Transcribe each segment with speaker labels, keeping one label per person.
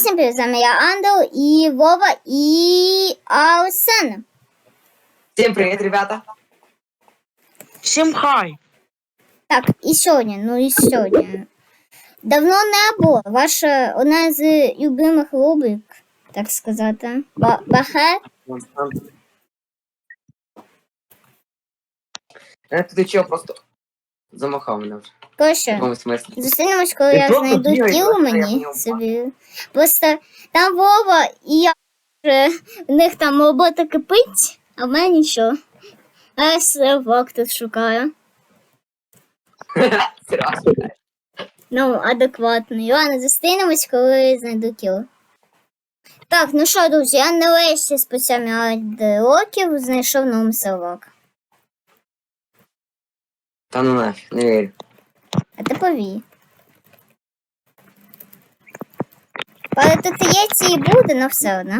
Speaker 1: Всім привіт, з вами я Андел, і Вова, і Арсен.
Speaker 2: Всем привет, ребята!
Speaker 3: Всім хай!
Speaker 1: Так, і сьогодні. Давно не було. Ваша одна з любимих рубрик, так сказати. Бахе.
Speaker 2: Ти чого просто замахав мене вже? В
Speaker 1: Коротше,
Speaker 2: якому смислі?
Speaker 1: зустрінемось, коли
Speaker 2: Ти
Speaker 1: я
Speaker 2: просто
Speaker 1: знайду
Speaker 2: бігай,
Speaker 1: тіло
Speaker 2: просто я
Speaker 1: мені
Speaker 2: поняв.
Speaker 1: собі. Просто там Вова і я вже, в них там робота кипить, а в мене нічого. А я сервак тут шукаю.
Speaker 2: Серйозно.
Speaker 1: Ну, адекватно. Ладно, зустрінемось, коли знайду кіло. Так, ну що, друзі, я нарешті спустя мільярд років знайшов новий сервак.
Speaker 2: Та ну нафіг, не вірю.
Speaker 1: А ти повій. Але тут є ці і буде, але все одно.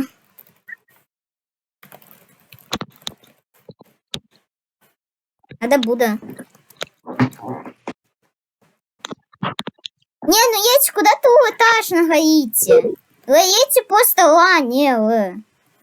Speaker 1: А де буде? Не, ну Єць, куди ти улетаєш на Гаїті? Гаїті просто ланіли.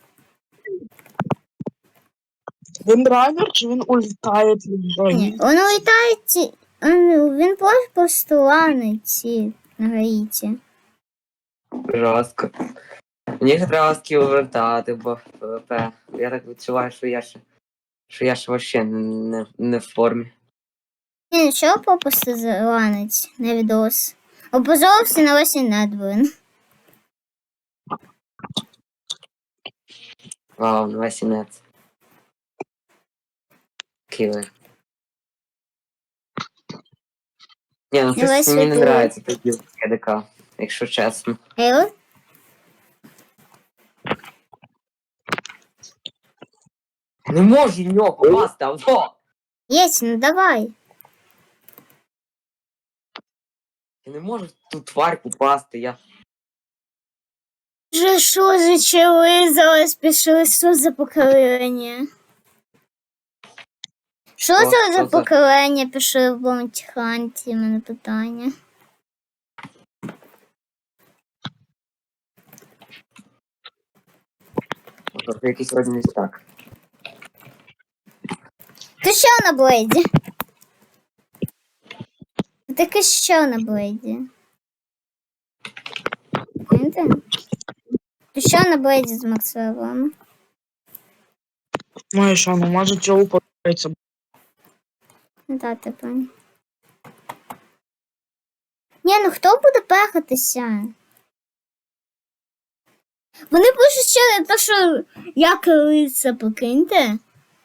Speaker 3: Він ранер чи він улітає від
Speaker 1: Ні,
Speaker 3: Гаїті?
Speaker 1: він улітає, він просто ланить на Гаїті.
Speaker 2: Жорстко. Мені ще треба скіл вертати, бо в ПВП. Я так відчуваю, що я ще вообще не в формі.
Speaker 1: Ні, нічого попусти заланить на відос. Опозорився на весь недвин.
Speaker 2: Вау, на весь інець. Кілер. Ні, ну щось
Speaker 1: Давай
Speaker 2: мені не
Speaker 1: сюди.
Speaker 2: нравиться тоді КДК, якщо чесно.
Speaker 1: Ей,
Speaker 2: Не можу в нього попасти, авто!
Speaker 1: Єць, ну давай.
Speaker 2: Я не можу в ту тварь попасти, я...
Speaker 1: Вже що зачали, зараз пішли, що за покоління? Що
Speaker 2: Що?
Speaker 1: це за
Speaker 2: Що це?
Speaker 1: покоління пішли в Бонті Ханті? У мене питання.
Speaker 2: Тобто якийсь родин не так.
Speaker 1: Ти що на блейді? Таке що на блейді? Знаєте? Ти що на блейді з Максвеллом?
Speaker 3: Ну і що, ну може цього подобається.
Speaker 1: Да, ти пані. Ні, ну хто буде пехатися? Вони пишуть ще те, що я криця, покиньте.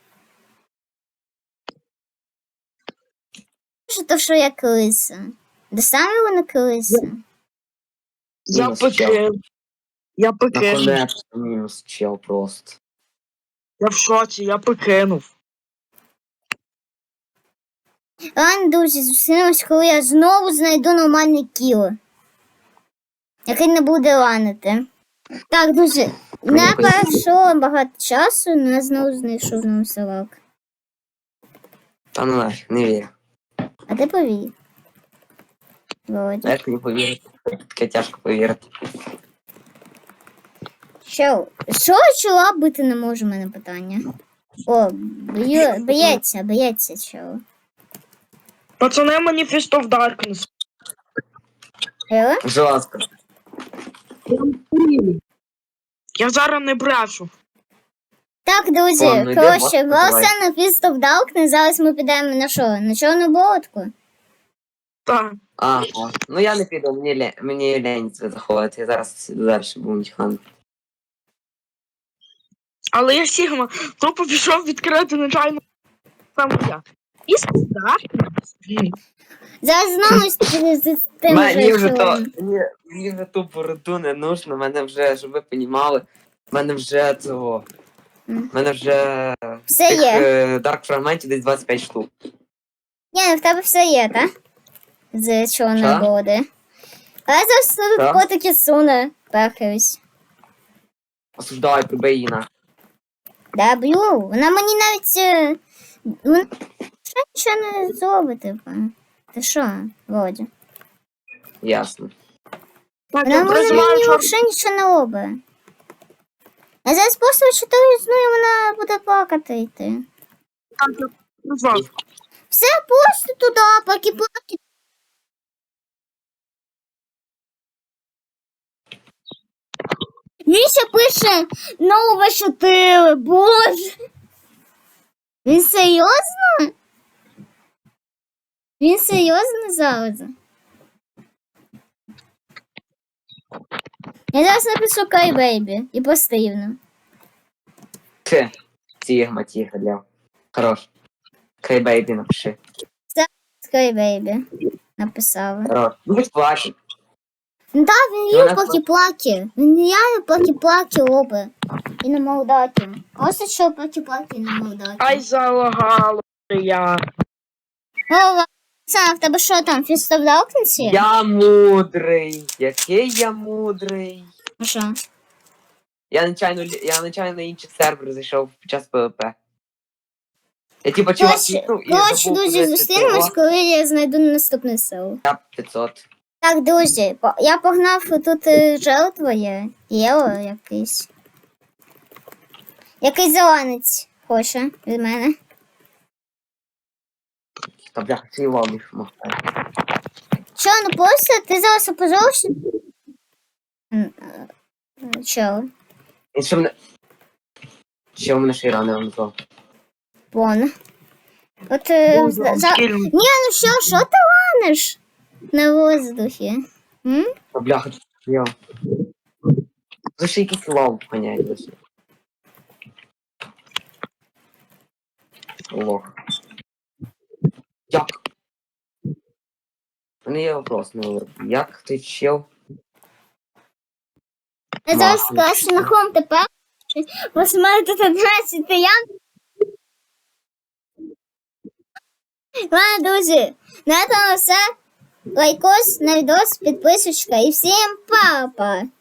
Speaker 1: Пишуть те, що я криця. Де самі вони криця?
Speaker 3: Я
Speaker 2: Мінус чел.
Speaker 3: покинув. Я покинув.
Speaker 2: Наконець мінус чел просто.
Speaker 3: Я в шоці, я покинув.
Speaker 1: Ладно, друзі, зустрінемось, коли я знову знайду нормальне кіло. Який не буде ланити. Так, друзі, не пройшло багато часу, але я знову знайшов новий сервак.
Speaker 2: Та ну нафіг, не вірю.
Speaker 1: А ти повій. Володя.
Speaker 2: Як не повірити? Таке тяжко повірити.
Speaker 1: Що чола бити не може, в мене питання. О, боється чого.
Speaker 3: Пацани, Manifest of Darkness.
Speaker 2: Жорстко.
Speaker 3: Я зараз не брешу.
Speaker 1: Так, друзі,
Speaker 2: Ладно, йде,
Speaker 1: коротше,
Speaker 2: давай.
Speaker 1: Волося на Fist of Darkness, зараз ми підемо на що? На чорну болотку?
Speaker 3: Так.
Speaker 2: Ага. Ну я не піду, мені лень це заходити. Я зараз далі буду тіхан.
Speaker 3: Але я Сігма тупо пішов відкрити нечайно саме я. І Darkness.
Speaker 1: Зараз знову з тим
Speaker 2: Мені
Speaker 1: же
Speaker 2: вже то,
Speaker 1: чолом.
Speaker 2: мені вже ту бороду не нужно, мене вже, щоб ви понімали, мене вже цього, мене вже
Speaker 1: Все
Speaker 2: тих
Speaker 1: є.
Speaker 2: дарк фрагментів десь 25 штук.
Speaker 1: Ні, в тебе все є, так? З чорної
Speaker 2: Що?
Speaker 1: болоти. А я зараз тут
Speaker 2: Що?
Speaker 1: котики суне, пехаюсь.
Speaker 2: Осуждаю, прибий її на.
Speaker 1: Да, б'ю. Вона мені навіть... Вона ще нічого не зробить, типу. Ти що, Володя?
Speaker 2: Ясно.
Speaker 3: Так,
Speaker 1: Вона
Speaker 3: я
Speaker 1: може
Speaker 3: призиваю
Speaker 1: мені
Speaker 3: чорного.
Speaker 1: взагалі нічого не робить. Я зараз просто читаю зну, і вона буде плакати йти.
Speaker 3: Так, я призвав.
Speaker 1: Все, просто туди, плаки-плаки. Він ще пише нова 4, боже. Він серйозно? Він серйозно зараз? Я зараз напишу Кай Бейбі і постійно.
Speaker 2: Тігма, Лев. Хорош. Кай бейбі напиши.
Speaker 1: Кай Бейбі. Написала.
Speaker 2: Хорош. Ну, будь плаче.
Speaker 1: Ну так, він
Speaker 2: Ну,
Speaker 1: є
Speaker 2: вона-
Speaker 1: плаки-плаки. Він реально плаки-плаки робить. І на молдаті. Просто що плаки-плаки на молдаті.
Speaker 3: Ай, залагало я.
Speaker 1: О, Оксана, в тебе що там, фіста в Даркнесі?
Speaker 2: Я мудрий. Який я мудрий.
Speaker 1: А що?
Speaker 2: Я нечайно на інший сервер зайшов під час ПВП. Я типа чувак клікнув і
Speaker 1: Коротше,
Speaker 2: забув
Speaker 1: друзі,
Speaker 2: кудись
Speaker 1: зустрінемось,
Speaker 2: цього.
Speaker 1: коли я знайду наступне село.
Speaker 2: Я 500.
Speaker 1: Так, друзі, я погнав тут жертвою. Єло якийсь. Якийсь зеленець хоче від мене.
Speaker 2: Та бляха, це його міг махати.
Speaker 1: Що, ну просто ти зараз опозорився? Чо?
Speaker 2: І що мене... Ще у мене ще й рани вам назвав.
Speaker 1: Вон. От
Speaker 3: Скільно.
Speaker 1: Ні, ну що ти ланиш? На воздухі. М?
Speaker 2: Та бляха, тут я. За ще якийсь лав ганяє досі. Лох. Як? У мене є вопрос, ну, як ти чел?
Speaker 1: Я зараз
Speaker 2: Махнеш.
Speaker 1: краще на хом тепер. Ось в мене тут 11 я. Ладно, друзі, на цьому все. Лайкос на відос, підписочка і всім па-па!